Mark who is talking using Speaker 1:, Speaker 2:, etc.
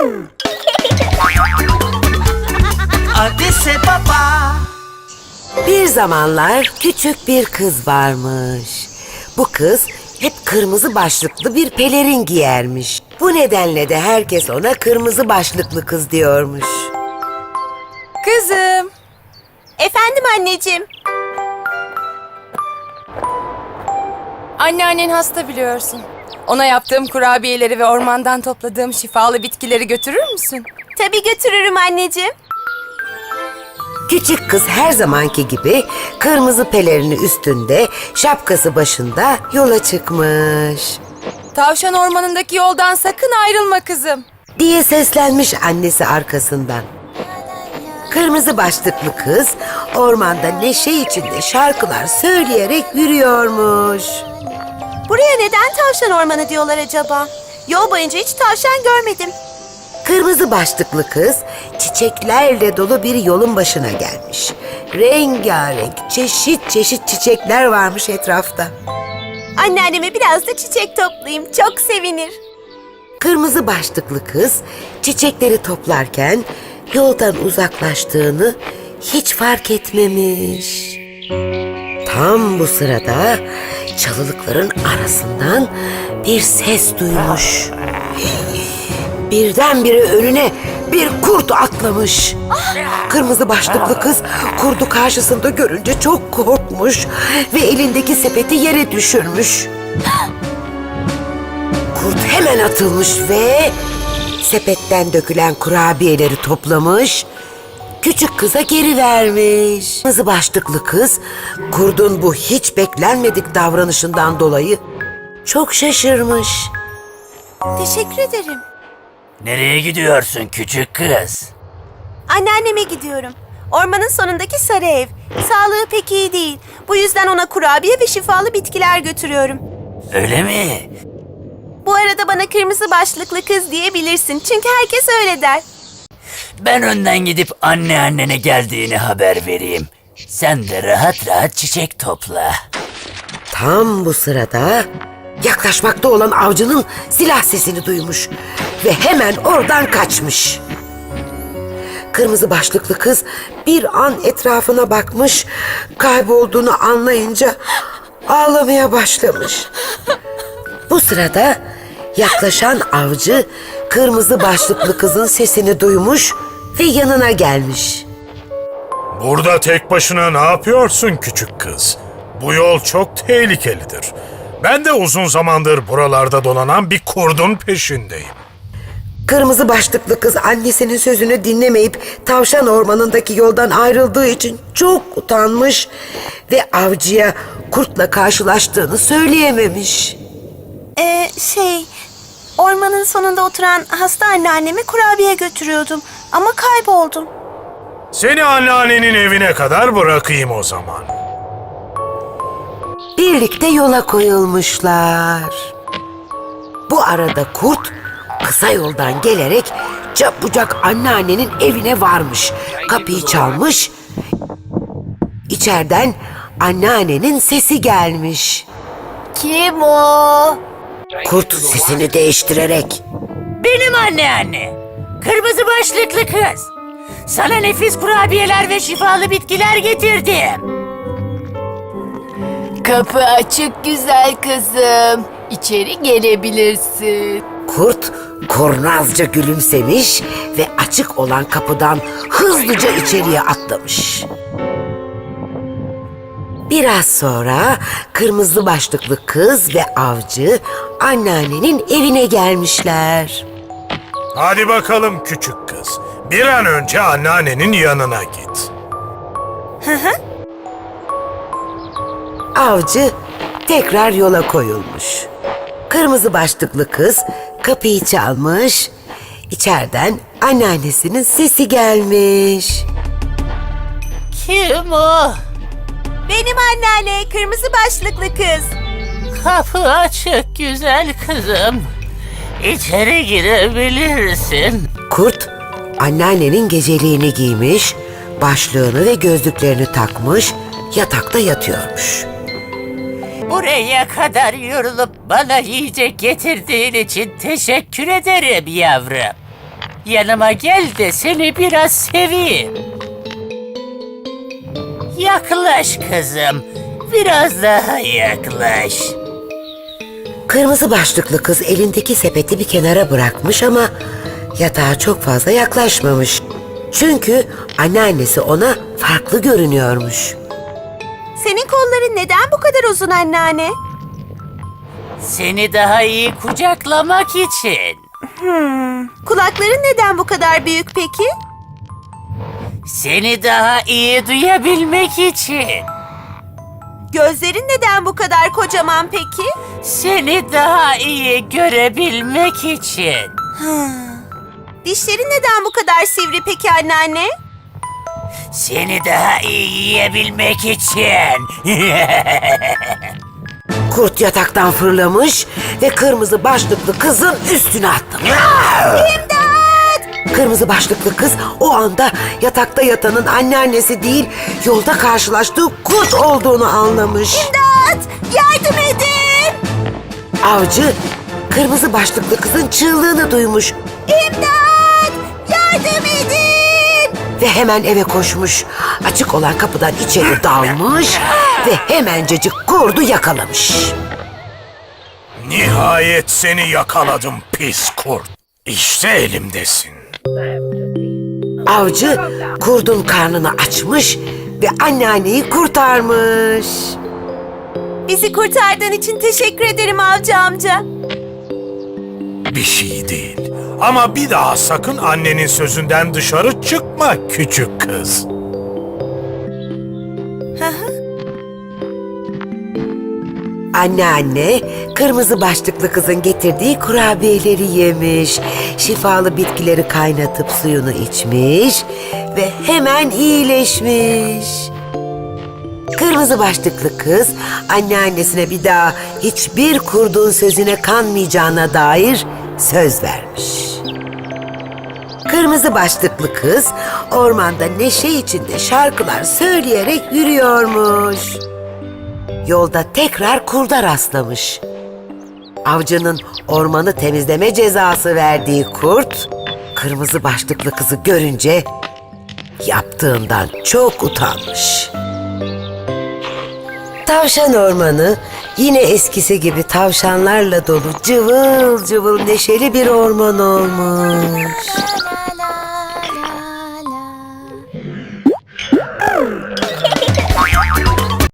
Speaker 1: Adise Baba.
Speaker 2: Bir zamanlar küçük bir kız varmış. Bu kız hep kırmızı başlıklı bir pelerin giyermiş. Bu nedenle de herkes ona kırmızı başlıklı kız diyormuş.
Speaker 3: Kızım.
Speaker 4: Efendim anneciğim.
Speaker 3: Anneannen hasta biliyorsun. Ona yaptığım kurabiyeleri ve ormandan topladığım şifalı bitkileri götürür müsün?
Speaker 4: Tabii götürürüm anneciğim.
Speaker 2: Küçük kız her zamanki gibi kırmızı pelerini üstünde, şapkası başında yola çıkmış.
Speaker 3: Tavşan ormanındaki yoldan sakın ayrılma kızım.
Speaker 2: Diye seslenmiş annesi arkasından. Kırmızı başlıklı kız ormanda neşe içinde şarkılar söyleyerek yürüyormuş.
Speaker 4: Buraya neden tavşan ormanı diyorlar acaba? Yol boyunca hiç tavşan görmedim.
Speaker 2: Kırmızı başlıklı kız çiçeklerle dolu bir yolun başına gelmiş. Rengarenk, çeşit çeşit çiçekler varmış etrafta.
Speaker 4: Anneanneme biraz da çiçek toplayayım. Çok sevinir.
Speaker 2: Kırmızı başlıklı kız çiçekleri toplarken yoldan uzaklaştığını hiç fark etmemiş. Tam bu sırada çalılıkların arasından bir ses duymuş. Birdenbire önüne bir kurt atlamış. Kırmızı başlıklı kız kurdu karşısında görünce çok korkmuş ve elindeki sepeti yere düşürmüş. Kurt hemen atılmış ve sepetten dökülen kurabiyeleri toplamış, küçük kıza geri vermiş. Kırmızı başlıklı kız kurdun bu hiç beklenmedik davranışından dolayı çok şaşırmış.
Speaker 4: Teşekkür ederim.
Speaker 1: Nereye gidiyorsun küçük kız?
Speaker 4: Anneanneme gidiyorum. Ormanın sonundaki sarı ev. Sağlığı pek iyi değil. Bu yüzden ona kurabiye ve şifalı bitkiler götürüyorum.
Speaker 1: Öyle mi?
Speaker 4: Bu arada bana kırmızı başlıklı kız diyebilirsin. Çünkü herkes öyle der.
Speaker 1: Ben önden gidip anneannene geldiğini haber vereyim. Sen de rahat rahat çiçek topla.
Speaker 2: Tam bu sırada yaklaşmakta olan avcının silah sesini duymuş ve hemen oradan kaçmış. Kırmızı başlıklı kız bir an etrafına bakmış, kaybolduğunu anlayınca ağlamaya başlamış. Bu sırada yaklaşan avcı kırmızı başlıklı kızın sesini duymuş ve yanına gelmiş.
Speaker 5: Burada tek başına ne yapıyorsun küçük kız? Bu yol çok tehlikelidir. Ben de uzun zamandır buralarda dolanan bir kurdun peşindeyim.
Speaker 2: Kırmızı başlıklı kız annesinin sözünü dinlemeyip tavşan ormanındaki yoldan ayrıldığı için çok utanmış ve avcıya kurtla karşılaştığını söyleyememiş.
Speaker 4: Ormanın sonunda oturan hasta anneanneme kurabiye götürüyordum. Ama kayboldum.
Speaker 5: Seni anneannenin evine kadar bırakayım o zaman.
Speaker 2: Birlikte yola koyulmuşlar. Bu arada kurt kısa yoldan gelerek çabucak anneannenin evine varmış. Kapıyı çalmış. İçeriden anneannenin sesi gelmiş.
Speaker 4: Kim o?
Speaker 2: Kurt sesini değiştirerek
Speaker 1: Benim anneanne. Kırmızı başlıklı kız. Sana nefis kurabiyeler ve şifalı bitkiler getirdim.
Speaker 6: Kapı açık güzel kızım. İçeri gelebilirsin.
Speaker 2: kurt kurnazca gülümsemiş ve açık olan kapıdan hızlıca içeriye atlamış. Biraz sonra kırmızı başlıklı kız ve avcı anneannenin evine gelmişler.
Speaker 5: Hadi bakalım küçük kız. Bir an önce anneannenin yanına git.
Speaker 2: Avcı tekrar yola koyulmuş. Kırmızı başlıklı kız kapıyı çalmış. İçeriden anneannesinin sesi gelmiş.
Speaker 1: Kim o?
Speaker 4: Benim anneanne, kırmızı başlıklı kız.
Speaker 1: Kapı açık güzel kızım. İçeri girebilirsin.
Speaker 2: Kurt anneannenin geceliğini giymiş, başlığını ve gözlüklerini takmış, yatakta yatıyormuş.
Speaker 1: Buraya kadar yorulup bana yiyecek getirdiğin için teşekkür ederim yavrum. Yanıma gel de seni biraz seveyim. Yaklaş kızım. Biraz daha yaklaş.
Speaker 2: Kırmızı başlıklı kız elindeki sepeti bir kenara bırakmış ama yatağa çok fazla yaklaşmamış. Çünkü anneannesi ona farklı görünüyormuş.
Speaker 4: Senin kolların neden bu kadar uzun anneanne?
Speaker 1: Seni daha iyi kucaklamak için.
Speaker 4: Kulakların neden bu kadar büyük peki?
Speaker 1: Seni daha iyi duyabilmek için.
Speaker 4: Gözlerin neden bu kadar kocaman peki?
Speaker 1: Seni daha iyi görebilmek için.
Speaker 4: Dişlerin neden bu kadar sivri peki anneanne?
Speaker 1: Seni daha iyi yiyebilmek için.
Speaker 2: Kurt yataktan fırlamış ve kırmızı başlıklı kızın üstüne atlamış. Kırmızı başlıklı kız o anda yatakta yatanın anneannesi değil, yolda karşılaştığı kurt olduğunu anlamış.
Speaker 4: İmdat! Yardım edin!
Speaker 2: Avcı kırmızı başlıklı kızın çığlığını duymuş
Speaker 4: İmdat! Yardım edin!
Speaker 2: ve hemen eve koşmuş. Açık olan kapıdan içeri dalmış ve hemencecik kurdu yakalamış.
Speaker 5: Nihayet seni yakaladım pis kurt. İşte elimdesin.
Speaker 2: Avcı kurdun karnını açmış ve anneanneyi kurtarmış.
Speaker 4: Bizi kurtardığın için teşekkür ederim avcı amca.
Speaker 5: Bir şey değil. Ama bir daha sakın annenin sözünden dışarı çıkma küçük kız.
Speaker 2: Anneanne kırmızı başlıklı kızın getirdiği kurabiyeleri yemiş. Şifalı bitkileri kaynatıp suyunu içmiş ve hemen iyileşmiş. Kırmızı başlıklı kız anneannesine bir daha hiçbir kurdun sözüne kanmayacağına dair söz vermiş. Kırmızı başlıklı kız ormanda neşe içinde şarkılar söyleyerek yürüyormuş. Yolda tekrar kurda rastlamış. Avcının ormanı temizleme cezası verdiği kurt, kırmızı başlıklı kızı görünce yaptığından çok utanmış. Tavşan ormanı yine eskisi gibi tavşanlarla dolu cıvıl cıvıl neşeli bir orman olmuş.